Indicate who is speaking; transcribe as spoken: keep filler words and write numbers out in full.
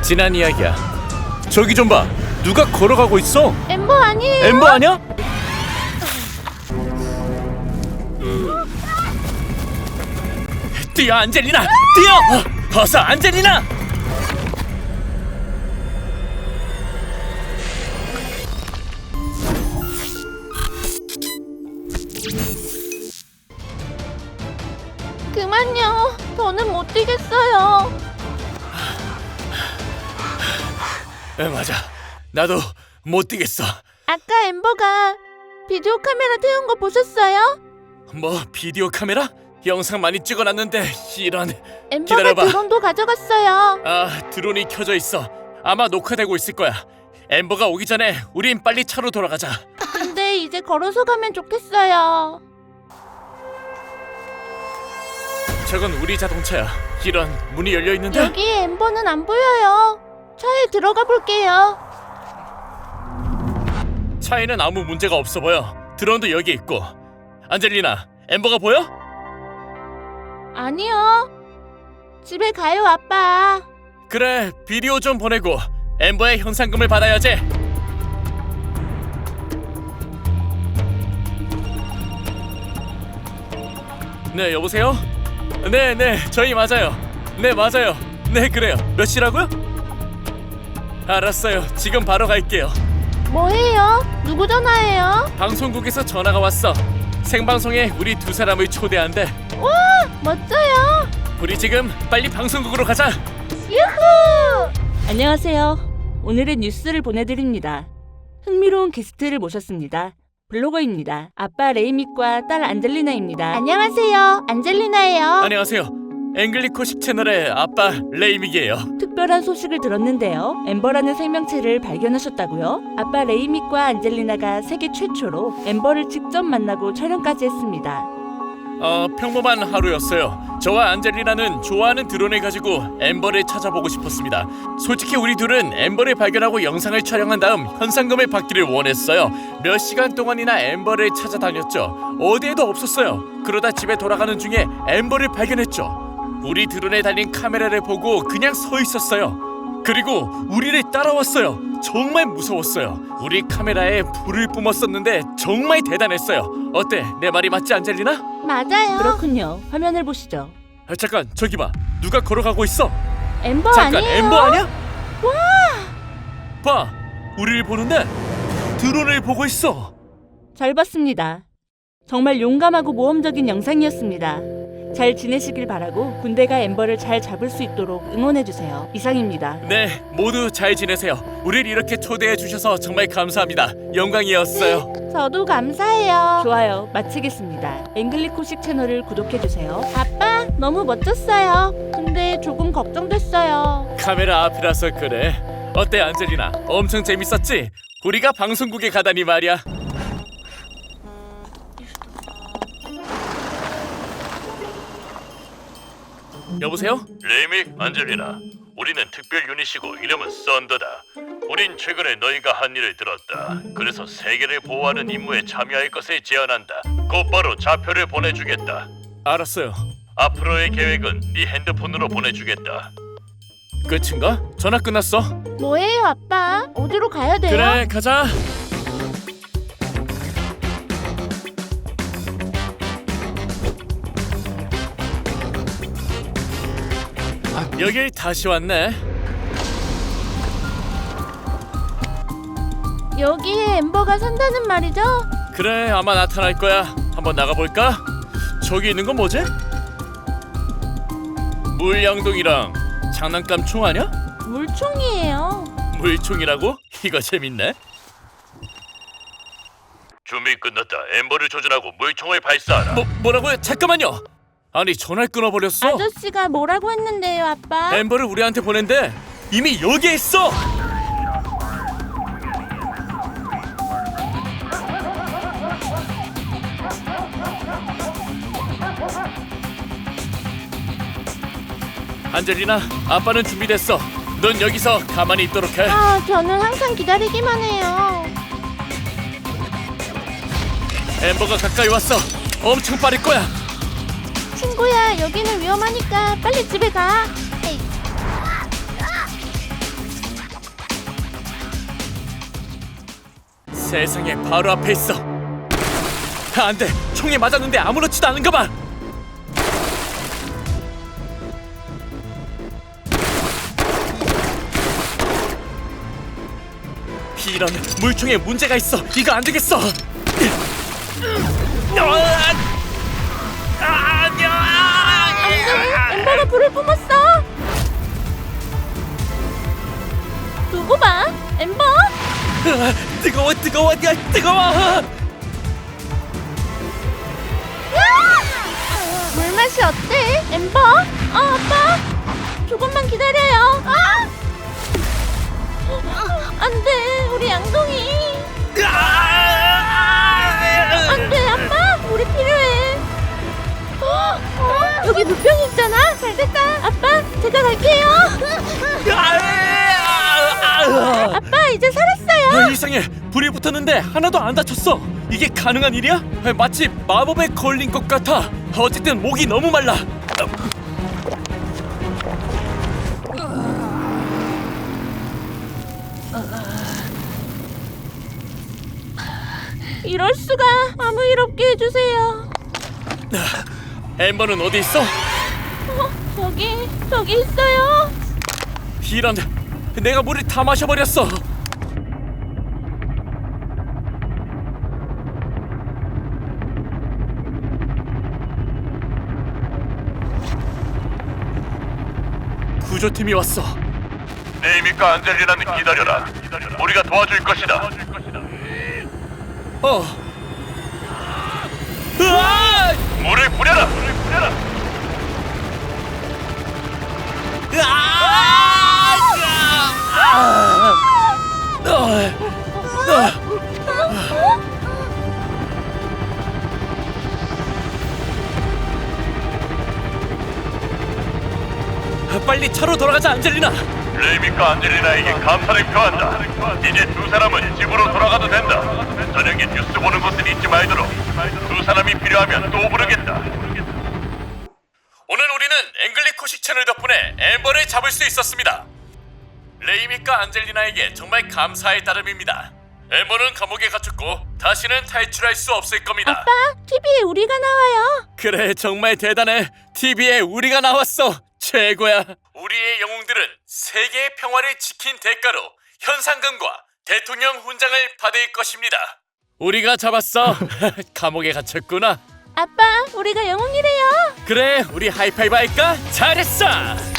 Speaker 1: 지난 이야기야. 저기 좀 봐. 누가 걸어가고 있어?
Speaker 2: 엠버 아니에요?
Speaker 1: 엠버 아니야? 뛰어 안젤리나! 뛰어! 어서 안젤리나!
Speaker 2: 그만요. 더는 못 뛰겠어요.
Speaker 1: 에, 맞아. 나도 못 뛰겠어.
Speaker 2: 아까 엠버가 비디오 카메라 태운 거 보셨어요?
Speaker 1: 뭐 비디오 카메라? 영상 많이 찍어놨는데 이런.
Speaker 2: 엠버가
Speaker 1: 기다려봐.
Speaker 2: 드론도 가져갔어요.
Speaker 1: 아, 드론이 켜져 있어. 아마 녹화되고 있을 거야. 엠버가 오기 전에 우린 빨리 차로 돌아가자.
Speaker 2: 근데 이제 걸어서 가면 좋겠어요.
Speaker 1: 저건 우리 자동차야. 이런, 문이 열려 있는데.
Speaker 2: 여기 엠버는 안 보여요. 차에 들어가 볼게요.
Speaker 1: 차에는 아무 문제가 없어 보여. 드론도 여기 있고. 안젤리나, 엠버가 보여?
Speaker 2: 아니요. 집에 가요, 아빠.
Speaker 1: 그래, 비디오 좀 보내고 엠버의 현상금을 받아야지. 네, 여보세요? 네, 네, 저희 맞아요. 네, 맞아요. 네, 그래요. 몇 시라고요? 알았어요. 지금 바로 갈게요.
Speaker 2: 뭐해요? 누구 전화해요?
Speaker 1: 방송국에서 전화가 왔어. 생방송에 우리 두 사람을 초대한대.
Speaker 2: 와, 멋져요.
Speaker 1: 우리 지금 빨리 방송국으로 가자.
Speaker 2: 유후!
Speaker 3: 안녕하세요. 오늘의 뉴스를 보내드립니다. 흥미로운 게스트를 모셨습니다. 블로거입니다. 아빠 레이믹과 딸 안젤리나입니다.
Speaker 2: 안녕하세요. 안젤리나예요.
Speaker 1: 안녕하세요. 앵글리코식 채널의 아빠 레이믹이에요.
Speaker 3: 특별한 소식을 들었는데요. 엠버라는 생명체를 발견하셨다고요? 아빠 레이믹과 안젤리나가 세계 최초로 엠버를 직접 만나고 촬영까지 했습니다.
Speaker 1: 어, 평범한 하루였어요. 저와 안젤리나는 좋아하는 드론을 가지고 엠버를 찾아보고 싶었습니다. 솔직히 우리 둘은 엠버를 발견하고 영상을 촬영한 다음 현상금을 받기를 원했어요. 몇 시간 동안이나 엠버를 찾아다녔죠. 어디에도 없었어요. 그러다 집에 돌아가는 중에 엠버를 발견했죠. 우리 드론에 달린 카메라를 보고 그냥 서 있었어요. 그리고 우리를 따라왔어요. 정말 무서웠어요. 우리 카메라에 불을 뿜었었는데 정말 대단했어요. 어때? 내 말이 맞지, 안젤리나?
Speaker 2: 맞아요.
Speaker 3: 그렇군요. 화면을 보시죠.
Speaker 1: 아, 잠깐, 저기 봐. 누가 걸어가고 있어?
Speaker 2: 엠버
Speaker 1: 잠깐,
Speaker 2: 아니에요?
Speaker 1: 엠버 아니야?
Speaker 2: 와!
Speaker 1: 봐, 우리를 보는데 드론을 보고 있어.
Speaker 3: 잘 봤습니다. 정말 용감하고 모험적인 영상이었습니다. 잘 지내시길 바라고 군대가 엠버를 잘 잡을 수 있도록 응원해주세요. 이상입니다.
Speaker 1: 네, 모두 잘 지내세요. 우리를 이렇게 초대해 주셔서 정말 감사합니다. 영광이었어요.
Speaker 2: 저도 감사해요.
Speaker 3: 좋아요. 마치겠습니다. 앵글리코식 채널을 구독해주세요.
Speaker 2: 아빠, 너무 멋졌어요. 근데 조금 걱정됐어요.
Speaker 1: 카메라 앞이라서 그래. 어때, 안젤리나? 엄청 재밌었지? 우리가 방송국에 가다니 말이야. 여보세요?
Speaker 4: 레이믹, 안젤리나, 우리는 특별 유닛이고 이름은 썬더다. 우린 최근에 너희가 한 일을 들었다. 그래서 세계를 보호하는 임무에 참여할 것을 제안한다. 곧바로 좌표를 보내주겠다.
Speaker 1: 알았어요.
Speaker 4: 앞으로의 계획은 네 핸드폰으로 보내주겠다.
Speaker 1: 끝인가? 전화 끝났어.
Speaker 2: 뭐예요, 아빠? 어디로 가야 돼요?
Speaker 1: 그래, 가자. 여길 다시 왔네.
Speaker 2: 여기에 엠버가 산다는 말이죠?
Speaker 1: 그래, 아마 나타날 거야. 한번 나가볼까? 저기 있는 건 뭐지? 물양동이랑 장난감 총 아냐?
Speaker 2: 물총이에요.
Speaker 1: 물총이라고? 이거 재밌네.
Speaker 4: 준비 끝났다. 엠버를 조준하고 물총을 발사하라.
Speaker 1: 뭐, 뭐라고요? 잠깐만요. 아니, 전화를 끊어버렸어.
Speaker 2: 아저씨가 뭐라고 했는데요, 아빠?
Speaker 1: 엠버를 우리한테 보낸대. 이미 여기에 있어. 안젤리나, 아빠는 준비됐어. 넌 여기서 가만히 있도록 해.
Speaker 2: 아, 저는 항상 기다리기만 해요.
Speaker 1: 엠버가 가까이 왔어. 엄청 빠를 거야.
Speaker 2: 친구야, 여기는 위험하니까 빨리 집에 가. 에이.
Speaker 1: 세상에 바로 앞에 있어. 아, 안 돼. 총에 맞았는데 아무렇지도 않은가 봐. 이런, 물총에 문제가 있어. 이거 안 되겠어.
Speaker 2: 엠버가 불을 뿜었어. 두고 봐, 엠버.
Speaker 1: 으아, 뜨거워 뜨거워 야, 뜨거워.
Speaker 2: 물맛이 어때, 엠버? 어, 아빠. 조금만 기다려요. 아! 안 돼, 우리 양동이. 안 돼, 아빠. 우리 필요해. 어, 어, 여기 물병이 있잖아. 잘 됐다. 아빠, 제가 갈게요. 아빠, 이제 살았어요.
Speaker 1: 아, 이상해. 불이 붙었는데 하나도 안 다쳤어. 이게 가능한 일이야? 아, 마치 마법에 걸린 것 같아. 어쨌든 목이 너무 말라.
Speaker 2: 이럴 수가. 아무 일 없게 해주세요.
Speaker 1: 엠버는 어디 있어?
Speaker 2: 어, 저기, 저기 있어요.
Speaker 1: 이런, 내가 물을 다 마셔버렸어. 구조팀이 왔어.
Speaker 4: 네이미과 안젤리나는 기다려라. 우리가 도와줄 것이다.
Speaker 1: 어. 으아!
Speaker 4: 물을 뿌려라. 물을 뿌려라.
Speaker 1: 으아! 아! 어. 어. 빨리 차로 돌아가자, 안젤리나.
Speaker 4: 네이미과 안젤리나에게 감사를 표한다. 이제 두 사람은 집으로 돌아가도 된다. 저녁에 뉴스 보는 것은 잊지 말도록. 두 사람이 필요하면 또 부르겠다.
Speaker 1: 오늘 우리는 앵글리코식 채널 덕분에 엠버를 잡을 수 있었습니다. 레이미과 안젤리나에게 정말 감사의 따름입니다. 엠버는 감옥에 갇혔고 다시는 탈출할 수 없을 겁니다.
Speaker 2: 아빠, 티비에 우리가 나와요.
Speaker 1: 그래, 정말 대단해. 티비에 우리가 나왔어. 최고야. 우리의 영웅들은 세계의 평화를 지킨 대가로 현상금과 대통령 훈장을 받을 것입니다. 우리가 잡았어. 감옥에 갇혔구나.
Speaker 2: 아빠, 우리가 영웅이래요.
Speaker 1: 그래, 우리 하이파이브 할까? 잘했어.